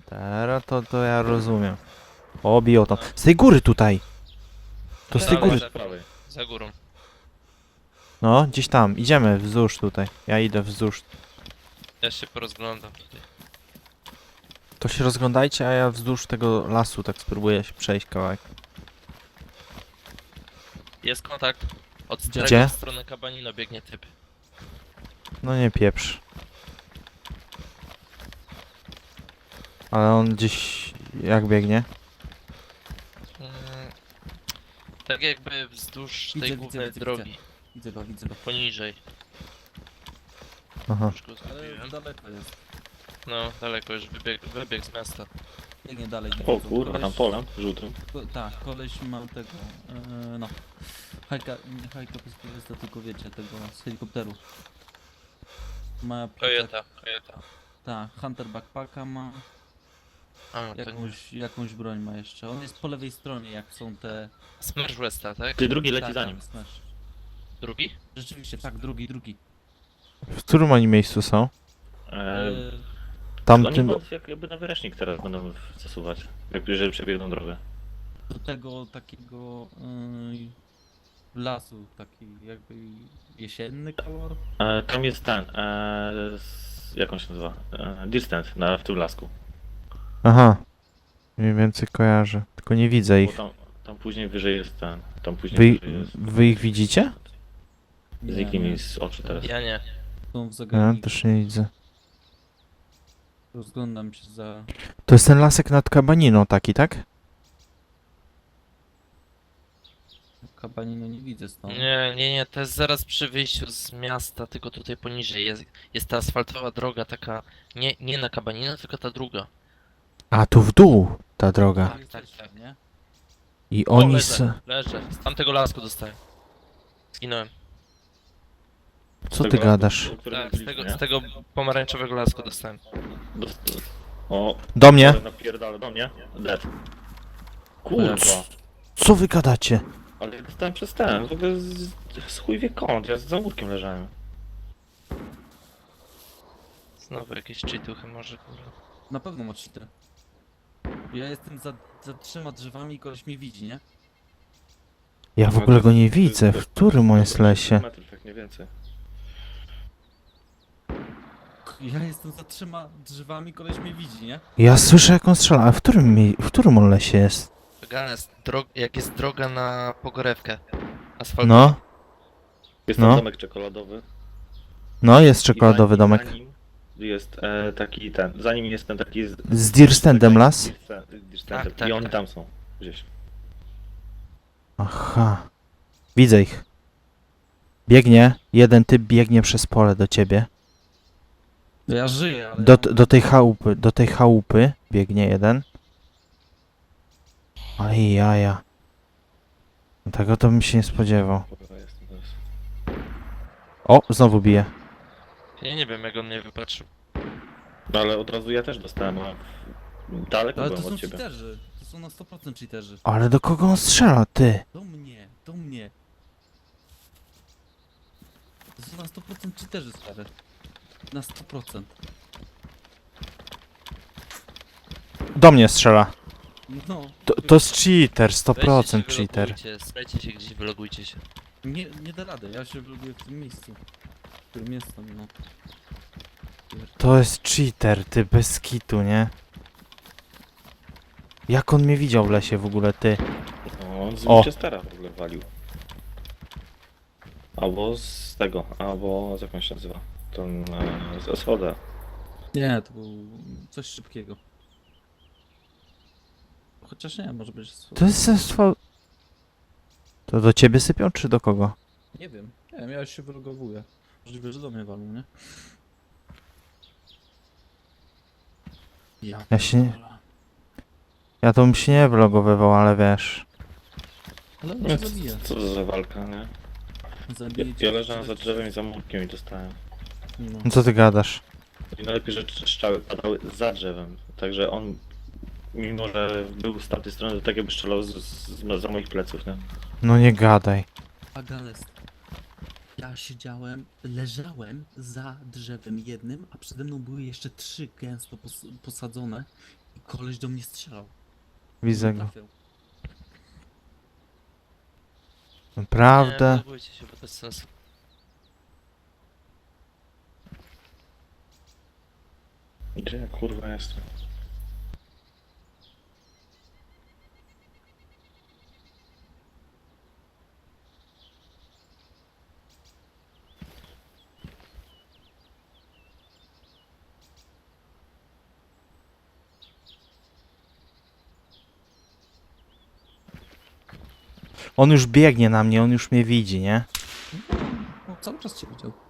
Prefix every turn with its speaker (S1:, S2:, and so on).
S1: Teraz to ja rozumiem. O, biją tam. Z tej góry tutaj! To z tej
S2: Dalej,
S1: góry.
S2: za prawej. Za górą.
S1: No, gdzieś tam. Idziemy wzdłuż tutaj. Ja idę wzdłuż.
S2: Ja się porozglądam tutaj.
S1: To się rozglądajcie, a ja wzdłuż tego lasu tak spróbuję się przejść kawałek.
S2: Jest kontakt. Od
S1: Gdzie?
S2: Gdzie? W stronę Kabanino biegnie typ.
S1: No nie pieprz. Ale on gdzieś... jak biegnie?
S2: Mm, tak jakby wzdłuż tej
S3: Widzę,
S2: głównej
S3: widzę,
S2: drogi.
S3: Widzę go, widzę go.
S2: Poniżej.
S1: Aha.
S2: Już go
S3: Ale
S2: zgubiłem.
S3: daleko jest.
S2: No, daleko już wybiegł z miasta.
S3: Biegnie dalej.
S4: O kurwa, tam polem żółtym.
S3: Tak, koleś ma tego, no. Hajka, nie hajka bezpieczeństwa, tylko wiecie, tego z helikopteru. Ma
S2: Toyota.
S3: Tak, Hunter backpacka ma,
S2: A, to nie.
S3: jakąś broń ma jeszcze. On jest po lewej stronie, jak są te...
S2: Smash Westa, tak?
S4: Ty drugi leci
S3: tak,
S4: za nim.
S3: tak, smash.
S2: Drugi?
S3: Rzeczywiście, tak, drugi.
S1: W którym oni miejscu są?
S3: Eee,
S1: Tamtym...
S4: Oni jakby na wyręcznik teraz będą zasuwać. Jeżeli przebiegną drogę.
S3: do tego takiego lasu, taki jakby jesienny kolor.
S4: Tam jest ten, jak on się nazywa? Distant w tym lasku.
S1: Aha. Mniej więcej kojarzę. Tylko nie widzę
S4: Bo
S1: ich.
S4: tam później wyżej jest ten. Tam później
S1: Wy,
S4: wyżej jest.
S1: wy ich widzicie?
S4: Zniknij mi z oczu teraz.
S2: Ja nie.
S3: Są w
S1: Ja
S3: zagadniku.
S1: też nie widzę.
S3: Rozglądam się za...
S1: To jest ten lasek nad Kabaniną taki, tak?
S3: Kabanino nie widzę stąd.
S2: Nie, to jest zaraz przy wyjściu z miasta, tylko tutaj poniżej jest ta asfaltowa droga taka, nie na Kabanino, tylko ta druga.
S1: A tu w dół ta droga.
S2: Tak.
S3: Nie?
S1: I
S2: O,
S1: oni
S2: leżę, z tamtego lasku dostałem. Zginąłem.
S1: Co ty gadasz?
S4: O którym
S2: Tak,
S4: mówiliśmy, nie?
S2: z tego pomarańczowego lasku dostałem.
S4: O,
S1: Do mnie?
S4: ale napierdala do mnie. Dead. Kurwa.
S1: Co wy gadacie?
S4: Ale ja dostałem przez ten, w ogóle z chuj wie kąt, ja za murkiem leżałem.
S2: Znowu jakieś cheatuchy może, kurwa.
S3: Na pewno ma cheater. Ja jestem za 3 drzewami i koleś mnie widzi, nie?
S1: Ja w ogóle go nie widzę. W którym on jest lesie?
S4: Metrów, jak nie więcej.
S3: Ja jestem za 3 drzewami, koleś mnie widzi, nie?
S1: Ja słyszę jak on strzela, a w którym on lesie jest?
S2: Gane, jak jest droga na Pogorewkę. Asfaltowa.
S1: No,
S4: Jest
S1: No.
S4: tam domek czekoladowy.
S1: no jest
S4: I
S1: czekoladowy domek.
S4: Za nim jest taki ten, za nim jest ten taki...
S1: Z Dirstendem las?
S4: Dirstendem.
S2: Tak,
S4: I oni
S2: tak.
S4: tam są, gdzieś.
S1: Aha. Widzę ich. Biegnie, jeden typ biegnie przez pole do ciebie.
S3: Ja żyję, ale...
S1: Do tej chałupy biegnie jeden. Aj, jaja. No tego to bym się nie spodziewał.
S4: Dobra, jestem teraz.
S1: O, znowu bije.
S2: Ja nie wiem jak on mnie wypatrzył.
S4: No ale od razu ja też dostałem, a daleko
S3: Ale to
S4: byłem
S3: są
S4: od ciebie.
S3: cheaterzy. To są na 100% cheaterzy.
S1: Ale do kogo on strzela, ty?
S3: Do mnie, do mnie. To są na 100% cheaterzy, stary. Na 100%.
S1: Do mnie strzela.
S3: No,
S1: To jest cheater,
S2: Weźcie
S1: 100%
S2: się,
S1: cheater.
S2: wylogujcie, Strajcie się gdzieś, wylogujcie się.
S3: nie da rady, ja się lubię w tym miejscu. W którym jestem, no.
S1: To jest cheater, ty, bez kitu, nie? Jak on mnie widział w lesie w ogóle, ty?
S4: No, on z
S1: O.
S4: Winchestera w ogóle walił. Albo z tego, albo z jak on się nazywa? Ten z SVD.
S3: Nie, to był coś szybkiego. Chociaż nie, może być...
S1: To jest sestwo... To do ciebie sypią, czy do kogo?
S3: Nie wiem, ja już się wylogowuję. Możliwe, że do mnie walą, nie?
S1: Ja się nie-
S3: pierdolę.
S1: Ja to bym się nie vlogowywał, ale wiesz...
S3: Ale on
S4: No,
S3: cię
S4: co,
S3: zabije.
S4: co to za walka, nie? Ja,
S3: Zabije cię.
S4: ja leżałem za drzewem i za murkiem i dostałem.
S3: No.
S1: No co ty gadasz?
S4: I najlepiej, że strzały padały za drzewem. Także on, mimo że był z tamtej strony, to tak jakby strzelał za moich pleców, nie?
S1: No nie gadaj.
S3: Agales. Ja leżałem za drzewem jednym, a przede mną były jeszcze 3 gęsto posadzone Koleś do mnie strzelał.
S1: Widzę go.
S3: Trafiał.
S2: Nie,
S1: Naprawdę?
S2: budujcie się, bo to jest sens.
S4: Gdzie ja kurwa jestem?
S1: On już biegnie na mnie, on już mnie widzi, nie?
S3: No, cały czas cię widział.